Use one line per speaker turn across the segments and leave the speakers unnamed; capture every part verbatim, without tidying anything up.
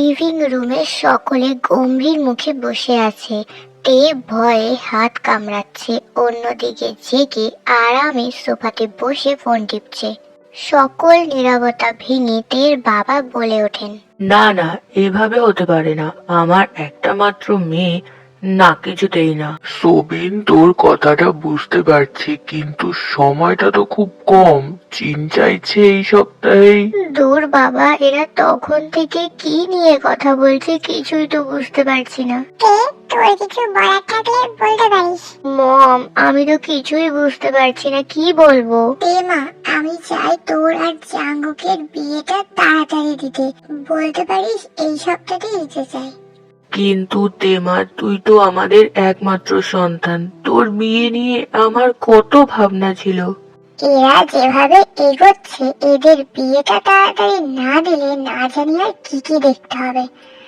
Living রুমে সকলে গম্ভীর মুখে বসে আছে। তে ভয়ে হাত কামড়াচ্ছে, অন্যদিকে জেগে আরামে সোফাতে বসে ফোন টিপছে। সকল নীরবতা ভেঙে তের বাবা বলে ওঠেন,
না না, এভাবে হতে পারে না। আমার একটা মাত্র মেয়ে, না কিছুতেই না।
সোবিন, তোর কথাটা বুঝতে পারছি, কিন্তু সময়টা তো খুব কম। চীন চাইছে এই সপ্তাহেই।
দূর বাবা, এরা তখন থেকে কি নিয়ে কথা বলছে কিছুই তো বুঝতে পারছি না।
তোর কিছু বলার থাকলে বলতে পারিস।
মম, আমি তো কিছুই বুঝতে পারছি না, কি বলবো।
মা, আমি চাই তোর আর জাঙ্গুকের বিয়েটা তাড়াতাড়ি দিতে। বলতে পারিস এই সপ্তাহে দিতে চাই।
কিন্তু তেমা, তুই তো আমাদের একমাত্র সন্তান। তোর বিয়ে নিয়ে আমার কত ভাবনা ছিল।
এরা যেভাবে এগোচ্ছে, এদের বিয়েটা তাড়াতাড়ি না দিলে না জানি আর কি কি দেখতে হবে।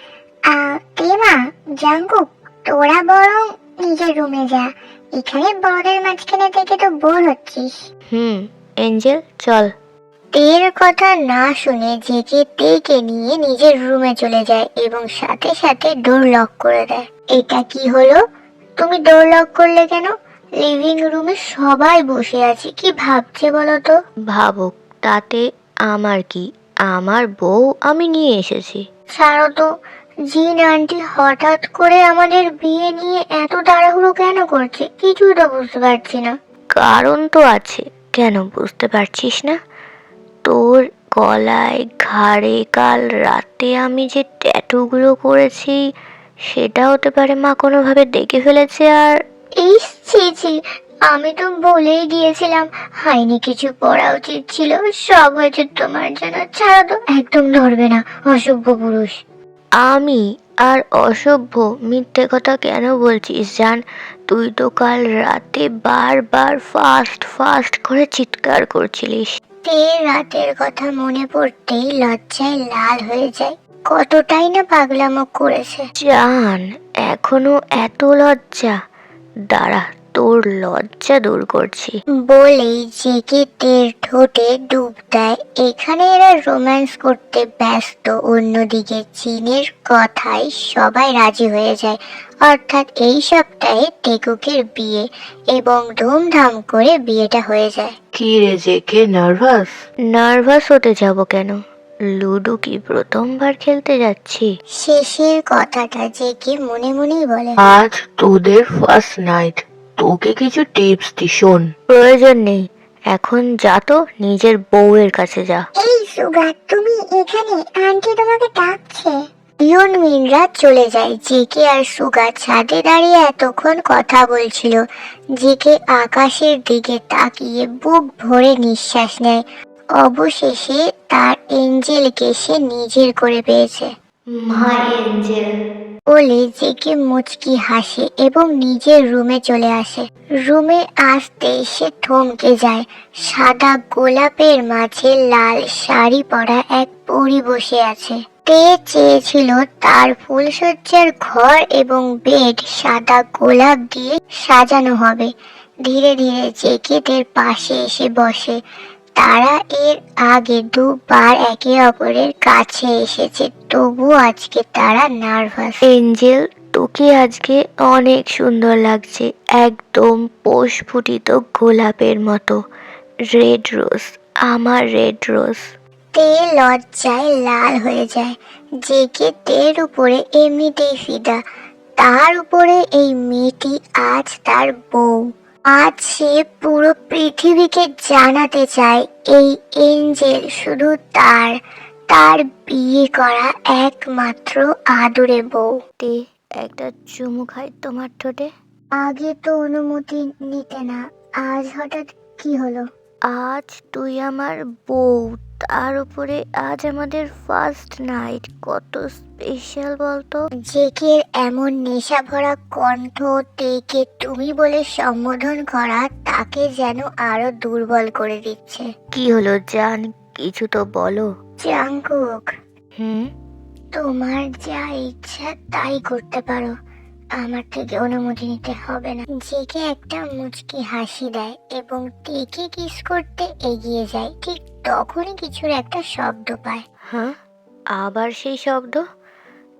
আহ তেমা, জাঙ্গুক, তোরা বরং নিজের রুমে যা। এখানে বড়দের মাঝখানে থেকে তো বোর হচ্ছিস।
হুম এঞ্জেল, চল।
তের কথা না শুনে জেগে তেকে নিয়ে নিজের রুমে চলে যায় এবং সাথে সাথে ডোর লক করে দেয়। এটা কি হলো? তুমি ডোর লক করলে কেন? লিভিং রুমে সবাই বসে আছে, কি ভাবছে বলো তো?
ভাবুক, তাতে আমার কি? আমার বউ আমি নিয়ে এসেছি।
ছাড়ো তো, জিন আন্টি হঠাৎ করে আমাদের বিয়ে নিয়ে এত তাড়াহুড়ো কেন করছে, কিছুই তো বুঝতে পারছি না।
কারণ তো আছে, কেন বুঝতে পারছিস না? তোর গলায় ঘাড়ে কাল রাতে আমি যে ট্যাটুগুলো করেছি, সেটা হতে পারে মা কোনোভাবে দেখে ফেলেছে। আর
এই ছি ছি, আমি তো বলেই দিয়েছিলাম হাইনি কিছু পড়া উচিত ছিল। সব হয়েছে তোমার জন্য। ছাড়ো তো, একদম ধরবে না, অসভ্য পুরুষ।
আমি আর অসভ্য মিথ্যে কথা কেন বলছিস জান? তুই তো কাল রাতে বারবার ফাস্ট ফাস্ট করে চিৎকার করছিলিস।
তে রাতের কথা মনে পড়তেই লজ্জায় লাল হয়ে যায়। কতটাই না পাগলামো করেছে।
জান, এখনো এত লজ্জা? দাঁড়া, তোর লজ্জা দূর করছি।
বলেই জেগে তের ঠোঁটে ডুব দেয়। এখানে এরা রোম্যান্স করতে ব্যস্ত, অন্যদিকে চীনের কথায় সবাই রাজি হয়ে যায়। অর্থাৎ এই সপ্তাহে টেকুকের বিয়ে এবং ধুমধাম করে বিয়েটা হয়ে যায়।
কি রে জেকে, নার্ভাস?
নার্ভাস হতে যাব কেন? লুডো কি প্রথমবার খেলতে যাচ্ছি?
শেষের কথাটা জেগে মনে মনেই বলে,
আজ তোদের ফার্স্ট নাইট, তোকে কিছু টিপস দি, শোন।
প্রয়োজন নেই, এখন যা তো নিজের বউয়ের কাছে যা।
এই সুগা, তুমি এখানে? আন্টি তোমাকে ডাকছে।
ইয়ন মিনরা চলে যায়। জেকে আর সুগা ছাদে দাঁড়িয়ে এতক্ষণ কথা বলছিল। জেকে আকাশের দিকে তাকিয়ে বুক ভরে নিঃশ্বাস নেয়। অবশেষে তার এঞ্জেলকে সে নিজের করে পেয়েছে।
মাই এঞ্জেল
বলে জেকে মুচকি হাসে এবং নিজের রুমে চলে আসে। রুমে আসতে সে থমকে যায়। সাদা গোলাপের মাঝে লাল শাড়ি পরা এক পরী বসে আছে। তে চেয়েছিল তার ফুলসজ্জার ঘর এবং বেড সাদা গোলাপ দিয়ে সাজানো হবে। ধীরে ধীরে জেকে তের পাশে এসে বসে। তারা এর আগে দুবার একে অপরের কাছে এসেছে, তবুও আজকে তারা নার্ভাস।
এঞ্জেল, তোকে আজকে অনেক সুন্দর লাগছে, একদম প্রস্ফুটিত গোলাপের মতো। রেড রোজ, আমার রেড রোজ।
তে লজ্জায় লাল হয়ে যায়। জেগে তের উপরে এমনিতেই ফিদা, তার উপরে এই মেয়েটি আজ তার বউ। আজ সে পুরো পৃথিবীকে জানাতে চায় এই এঞ্জেল শুধু তার, তার বিয়ে করা একমাত্র আদুরে বউ।
তে, একটা চুমু খাই তোমার ঠোঁটে।
আগে তো অনুমতি নিতে না, আজ হঠাৎ কি হলো?
আজ তুই আমার বউ, তার উপরে আজ আমাদের ফার্স্ট নাইট, কত স্পেশাল বলতো।
জেকের এমন নেশা ভরা কণ্ঠ তেকে তুমি বলে সম্বোধন করা তাকে যেন আরো দুর্বল করে দিচ্ছে।
কি হলো জান, কিছু তো বলো।
জাঙ্কুক,
হুম
তোমার যা ইচ্ছা তাই করতে পারো, আমার থেকে অনুমতি নিতে হবে না। জেকে একটা মুচকি হাসি দেয় এবং তেকে কিস করতে এগিয়ে যায়। ঠিক তখনই কিছুর একটা শব্দ পায়।
হ্যাঁ, আবার সেই শব্দ?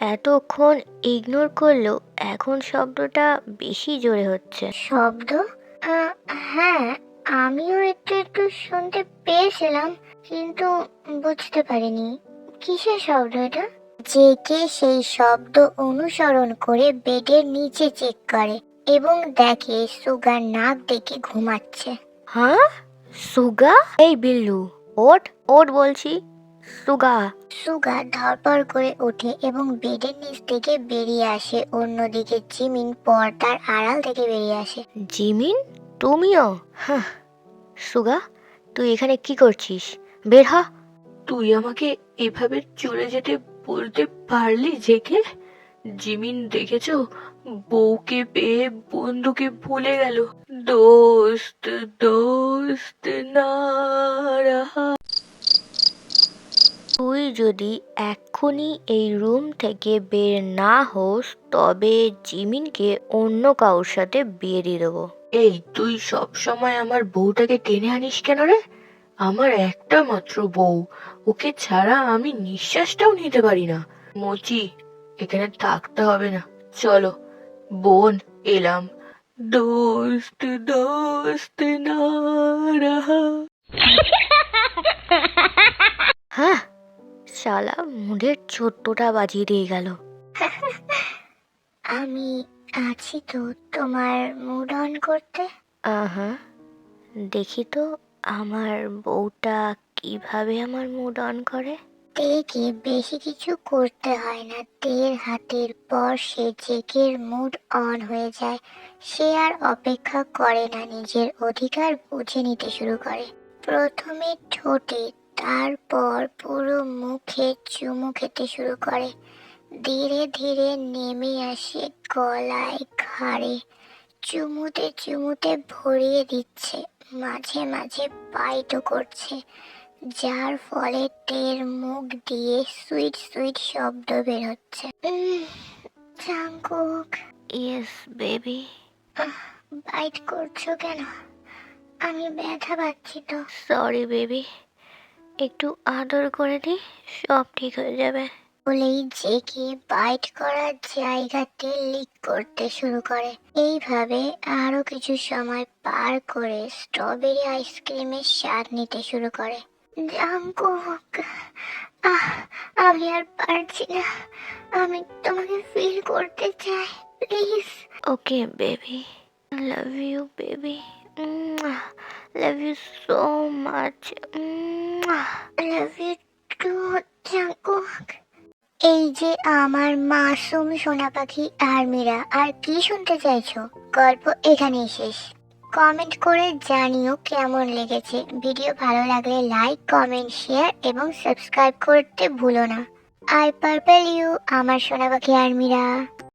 এতক্ষণ ইগনোর করলেও এখন শব্দটা বেশি জোরে হচ্ছে।
শব্দ? আহ, হ্যাঁ, আমিও একটু একটু শুনতে পেয়েছিলাম, কিন্তু বুঝতে পারিনি কিসের শব্দ এটা। জেকে সেই শব্দ অনুসরণ করে বেডের নিচে চেক করে এবং দেখে সুগার নাক ডেকে ঘুমাচ্ছে।
হ্যাঁ, সুগা? এই বিল্লু, ওঠ ওঠ বলছি, সুগা।
সুগা ধরপড় করে ওঠে এবং বেডের নিচ থেকে বেরিয়ে আসে। অন্যদিকে জিমিন পর্দার আড়াল থেকে বেরিয়ে আসে।
জিমিন, তুমিও? হ্যাঁ। সুগা, তুই এখানে কি করছিস? বের হ।
তুই আমাকে এভাবে চলে যেতে বলতে পারলি জেকে? জিমিন দেখেছো, বউকে পেয়ে বন্ধুকে ভুলে গেল। দোস্ত দোস্ত না রাহা।
তুই যদি এক্ষুনি এই রুম থেকে বের না হোস তবে জিমিনকে অন্য কারোর সাথে বিয়ে দিয়ে দেবো।
এই, তুই সব সময় আমার বউটাকে টেনে আনিস কেন রে? আমার একটা মাত্র বউ, ওকে ছাড়া আমি নিঃশ্বাসটাও নিতে পারি না। মোচি, এখানে থাকতে হবে না, চলো। বোন, এলাম। দোস্ত দোস্ত না রাহা।
হ্যাঁ, শালা মুডের চোদ্দটা বাজিয়ে দিয়ে গেল।
আমি আছি তো তোমার মুড অন করতে।
আহা, দেখি তো আমার বউটা কিভাবে আমার মুড অন করে।
তেকে বেশি কিছু করতে হয় না। তের হাতের পর সে জেকের মুড অন হয়ে যায়। সে আর অপেক্ষা করে না, নিজের অধিকার বুঝে নিতে শুরু করে। প্রথমে ঠোঁটে, তারপর পুরো মুখে চুমু খেতে শুরু করে। ধীরে ধীরে নেমে আসে গলায়, ঘাড়ে। চুমুতে চুমুতে ভরিয়ে দিচ্ছে, মাঝে মাঝে বাইটও করছে, যার ফলে টের মুখ দিয়ে সুইট সুইট শব্দ বের হচ্ছে। Um, Jungkook,
yes baby.
Bite করছো কেন? আমি ব্যথা পাচ্ছি তো।
সরি বেবি, একটু আদর করে দি, সব ঠিক হয়ে যাবে।
বলেই জেকে বাইট করার জায়গাতে লিক করতে শুরু করে। এইভাবে আরো কিছু সময় পার করে স্ট্রবেরি আইসক্রিমের স্বাদ নিতে শুরু করে। জাঙ্কুক, আহ, আমি আর পারছি না। আমি তোমাকে ফিল করতে চাই, please.
Okay baby, love you baby, love you so much,
love you too Jungkook. এই যে আমার মাসুম সোনা পাখি আর্মিরা, আর কি শুনতে চাইছো? গল্প এখানেই শেষ। কমেন্ট করে জানিও কেমন লেগেছে। ভিডিও ভালো লাগলে লাইক, কমেন্ট, শেয়ার এবং সাবস্ক্রাইব করতে ভুলো না। আই পার্পল ইউ, আমার সোনা পাখি আর্মিরা।